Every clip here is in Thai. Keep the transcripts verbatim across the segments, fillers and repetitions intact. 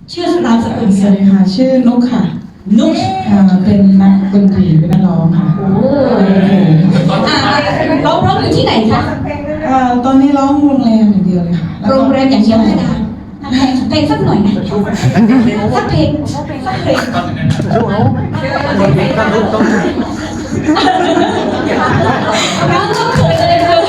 ชื่อนามสกุลสวัสดีค่ะชื่อนุกค่ะนุกอ่าเป็นนักดนตรีเป็นนักร้องค่ะโอ้อ่าร้องร้องอยู่ที่ไหนคะอ่าตอนนี้ร้องโรงแรมอย่างเดียวเลยค่ะแล้วก็โรงแรมอย่างเดียวไม่ได้เพลงเพลงสักหน่อยนะสักเพลงสักเพลงน้องก็เขินเลยเลย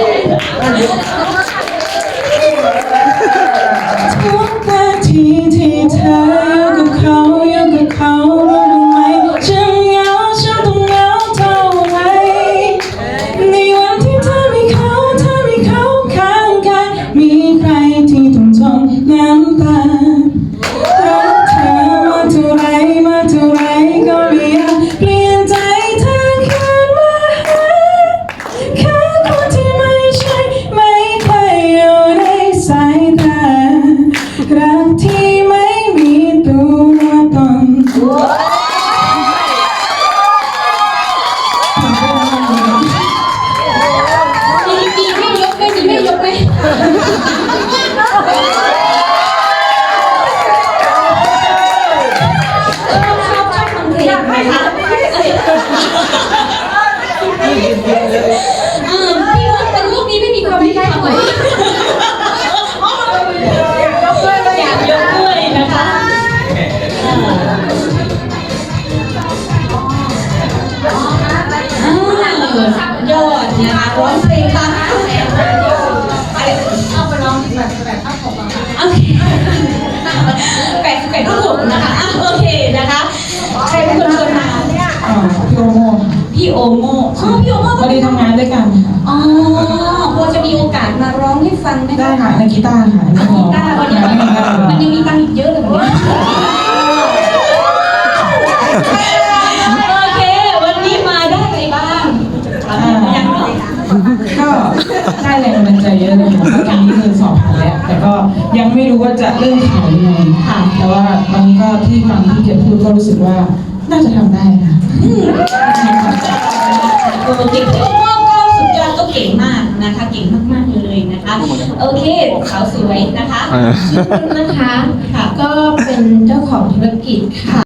ทุกนาทีที่เธออยู่กับเขาอยู่กับเขารู้ไหมฉันเหงาฉันต้องเหงาเท่าไหร่ในวันที่เธอมีเขาเธอมีเขาข้างกายมีใครที่ต้องทนน้ำตารักเธอมาเท่าไรมาเท่าไรก็ไม่อยากเปลี่ยนใจเธอคืนมาหาแค่คนที่ไม่ใช่ไม่เคยอยู่ในสายตารักที่ไม่มีตัวตนมีมีไม่ยกไหมมีไม่ยกไหมชอบชอบฟังเพลงไหมคะเออพี่ว่าเป็นลูกนี้ไม่มีความยุติธรรมเลยอยากยกด้วยนะคะอ่ายอดนะคะร้องเพลงตามเอาไปร้องแปดสิบแปดข้าวผมอะค่ะโอเคแปดสิบแปดข้าวผมนะคะอ่ะโอเคนะคะใครเป็นคนชวนมาอ่าพี่โอโม่ค่ะพี่โอโม่อ๋อพี่โอโม่พอดีทำงานด้วยกันค่ะอ๋อพอจะมีโอกาสมาร้องให้ฟังไหมได้คะค่ะในกีตาร์ค่ะในกีตาร์วันนี้ในกีตาร์มันยังมีตังค์อีกเยอะเลยวันนี้โอเค วันนี้มาได้อะไรบ้างยังไม่ได้ก็ได้แรงบันดาลใจเยอะเลยค่ะเพราะตอนนี้คือสอบผ่านแล้ว แต่ก็ยังไม่รู้ว่าจะเริ่มขายยังไงค่ะแต่ว่าตอนนี้ก็ที่ฟังที่เกียรติพูดก็รู้สึกว่าน่าจะทำได้ค่ะโอเคพี่โอโม่ก็สุดยอดก็เก่งมากนะคะ เก่งมากๆเลยนะคะ โอเคสาวสวยนะคะเออชื่อคุณนะคะ ค่ะก็เป็นเจ้าของธุรกิจค่ะ